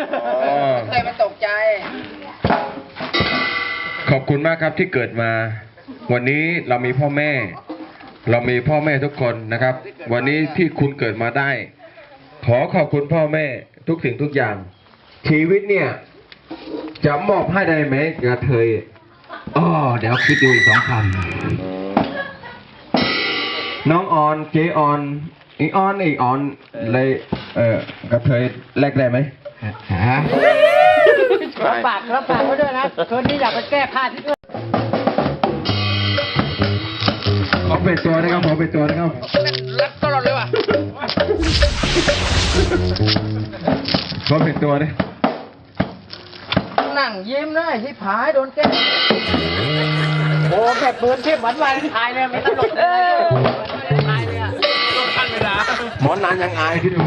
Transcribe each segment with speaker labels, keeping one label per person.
Speaker 1: เคยมาตกใจ
Speaker 2: ขอบคุณมากครับที่เกิดมาวันนี้เรามีพ่อแม่ทุกคนนะครับวันนี้ที่คุณเกิดมาได้ขอขอบคุณพ่อแม่ทุกสิ่งทุกอย่างชีวิตเนี่ยจะมอบให้ได้ไหมกระเทย
Speaker 3: เดี๋ยวคิดดูอีก2 คำ
Speaker 2: น้องออนเจออนอีออนเลยกระเทยแลกได้ไหม
Speaker 1: รับปากไว้ด้วยนะคืนนี้อยากไปแก้ผ้าที่อื่น
Speaker 2: ขอเป็นตัวนะครับ
Speaker 1: รักตลอดเลยว่ะ
Speaker 2: ขอเป็นตัวนะ
Speaker 1: นั่งยิ้มเลยที่ผายโดนแก้โอ้แค่ปืนที่หวานๆทายเลยไม่ตลกทายเลยอ่ะต้องทันเวลา
Speaker 2: หมอนานยังอายที่ดู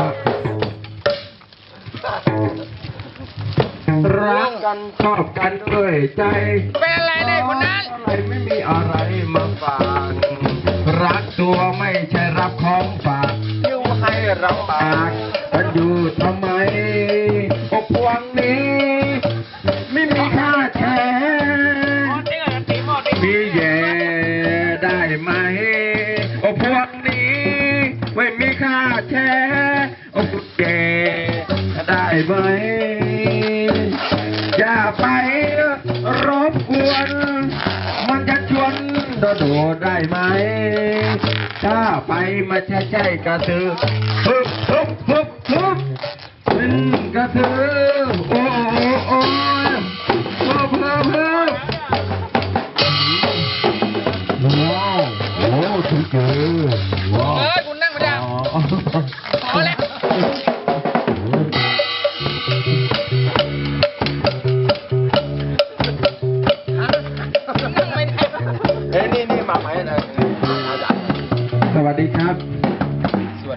Speaker 2: รักกันชอบกันด้วยใจ
Speaker 1: เป็นอะไรได้คนนั้น
Speaker 2: ไม่มีอะไรมาฝากรักตัวไม่ใช่รับของฝาก
Speaker 1: อยู่ให้รับปาก
Speaker 2: กันอยู่ทำไมอกพวงนี้ไม่มีค่าแชร์มีแย่ได้ไหมอกพวงนี้ไม่มีค่าแชร์อกแย่ได้ไหมอย่าไปรบกวนมันจะชวนโดดได้ไหมถ้าไปมาใช่กระตือฮึบเป็นกระตือโอ้ว้าวถึงเจอว้าว
Speaker 1: คุณนั่งไม่ได้พอแล้ว
Speaker 2: นี่มาไหมสวัสดีครับวัน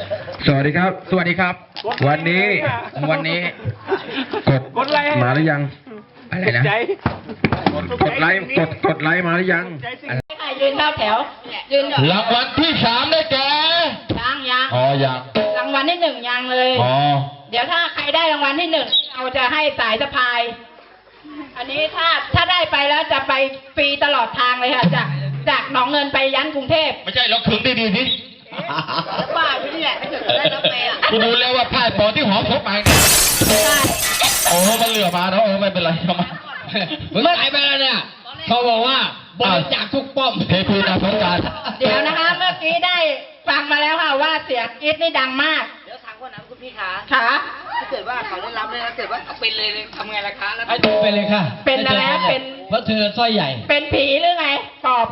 Speaker 2: นี้กดไลค์มาหรือยังอะไรนะกดไลค์มาหรือยัง
Speaker 4: ยืนเข้าแถวยืน
Speaker 2: รางวัลที่3ได้แก่
Speaker 4: ยัง
Speaker 2: ยัง
Speaker 4: รางวัลที่1ยังเลยเดี๋ยวถ้าใครได้รางวัลที่1เราจะให้สายสะพายอันนี้ถ้าได้ไปแล้วจะไปฟรีตลอดทางเลยค่ะจากหนองเงินไปยันกรุงเทพ
Speaker 2: ไม่ใช่เราขึงได้ดีสิ
Speaker 4: บ้าอยู่นี่แหละไม่ถึงได้รับไป
Speaker 2: คุณดูแล้วว่าผ้าปอที่หอมพกไป
Speaker 4: ใช่
Speaker 2: มันเหลือมาแล้วไม่เป็นไรเข้ามา
Speaker 3: เมื่อไหร่ไปแล้วเนี่ยเขาบอกว่าบริจาคทุกป้อม
Speaker 2: เทพีนาสงการ
Speaker 4: เดี๋ยวนะคะเมื่อกี้ได้ฟังมาแล้วค่ะว่าเสียงกรี๊ดนี่ดังมาก
Speaker 1: เดี๋ยวถามคนนั้นคุณพี่ขา
Speaker 4: ค่ะ
Speaker 1: ถ้าเกิดว่าเขาได้รับเลยนะเกิดว่าเป็นเลยทำไงล่ะคะแล้ว
Speaker 3: เป็นเลยค่ะ
Speaker 4: เป็นแล้วเป็น
Speaker 3: เพราะเธอสร้อยใหญ่
Speaker 4: เป็นผีหรือไงปอบ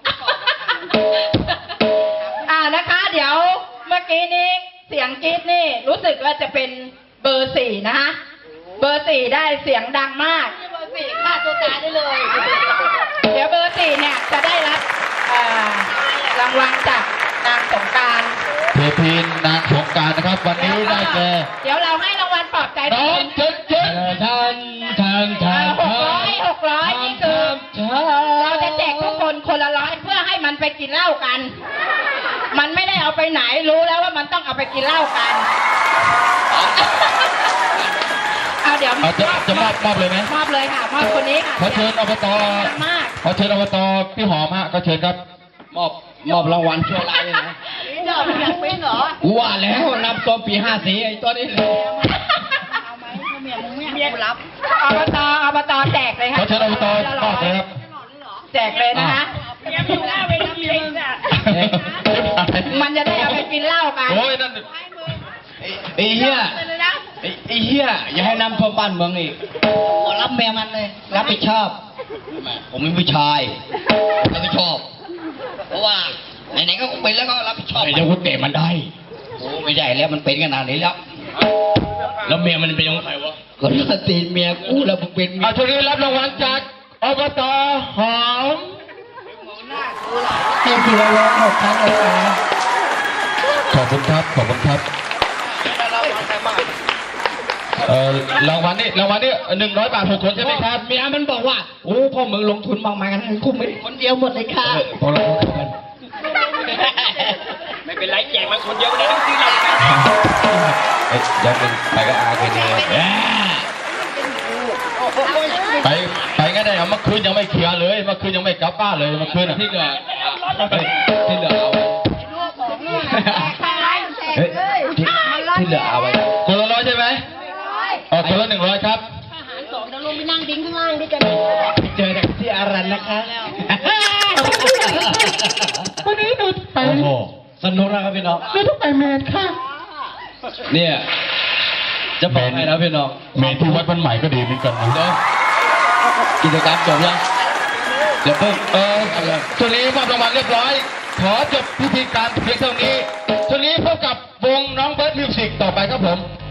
Speaker 4: นะคะเดี๋ยวเมื่อกี้นี้เสียงกรี๊ดนี่รู้สึกว่าจะเป็นเบอร์4นะคะเบอร์4ได้เสียงดังมาก
Speaker 1: เบอร์4ฆ่าตัวตายได้เลย
Speaker 4: เดี๋ยวเบอร์4เนี่ยจะได้รับรางวัลจากนางสงการ
Speaker 2: เทพีนางสงการนะครับวันนี้ได้แก่
Speaker 4: เดี๋ยวเราให้รางวัลปลอบใจ
Speaker 2: น้องเจ๊
Speaker 4: 600นี่คือเราจะแจกทุกคนคนละ100เพื่อให้มันไปกินเหล้ากันมันไม่ได้เอาไปไหนรู้แล้วว่ามันต้องเอาไปกินเหล้ากันเดี๋ยว
Speaker 2: จะมอบเลยไหม
Speaker 4: มอบเลยค่ะมอบคนนี้ค่ะ
Speaker 2: ขอเชิญอบตพี่หอมฮะก็เชิญครับ
Speaker 3: มอบรางวัลชั่วร้ายเลยนะ
Speaker 1: ยอดยังเป็นเหรอ
Speaker 3: ว่าแล้วนับตัวปี54ไอ้ตัวนี้เลย
Speaker 1: เอาไหมเมียรับ
Speaker 4: อบตแจกเลยค่ะ
Speaker 2: ขอเชิญอบตมอบเลยครับ
Speaker 4: แจกเลยนะคะ
Speaker 1: เมียอยู่หน้าเวที
Speaker 4: มันจะได้เอาไปกินเหล้ากัน
Speaker 2: โอ้ยนั่น
Speaker 3: ไอ้เหี้ยอย่าให้นำตัวบ้านเมืองอีก
Speaker 1: ขอรับเมียมันเลย
Speaker 3: รับผิดชอบผมเป็นผู้ชายรับผิดชอบเพราะว่าไหนๆก็เป็นแล้วก็รับผิดชอบ
Speaker 2: เดี๋ยวคุณเตะมันได้
Speaker 3: โอ้ไม่ได้แล้วมันเป็นขนาดนี้แล้ว
Speaker 2: เมียมันเป็นยังไงวะ
Speaker 3: ก็ตีเมียกูแล้วมึงเป็นเมีย
Speaker 2: ช่วงนี้รับรางวัลจากอบตหอม
Speaker 3: เต็มที่แล้ว6 ครั้งเลยนะ
Speaker 2: ขอบคุณครับรางวัลนี่100 บาท6 คนใช่ไหมครับ
Speaker 3: เมียมันบอกว่าโอ้พ่อมึงลงทุนมากมายกันคุ้มไหม
Speaker 1: คนเดียวหมดเลยค่ะ
Speaker 3: พอเราคุยกันเป็นไรแจกมันคนเดียวเลยต้องซื้อเรา
Speaker 2: เอ้ยยังเป็นไปก็อาเคเนไปงั้นได้เอาเมื่อคืนยังไม่เคลียร์เลยเมื่อคืนยังไม่กลับบ้านเลยเมื่อคืนที่เหลือที่เหลือเอาไว้เฮ้ยที่เหลือเอาไว้คนละ100ใช่ไหมคนละ100ครับเจอจากที่อารันนะคะ
Speaker 1: วันนี้หนูไป
Speaker 2: โอ้โหสนุกนะครับพี่น้อง
Speaker 1: หนูต้องไปเมนค่ะ
Speaker 2: เนี่ยจะบอกให้นะพี่น้องเมนที่วัดบ้านใหม่ก็ดีเหมือนกันนะกิจกรรมจบยังเดี๋ยวเพิ่งช่วงนี้มอบรางวัลเรียบร้อย ขอจบพิธีการเพียงเท่านี้ช่วงนี้พบกับวงน้องเบิร์ดมิวสิกต่อไปครับผม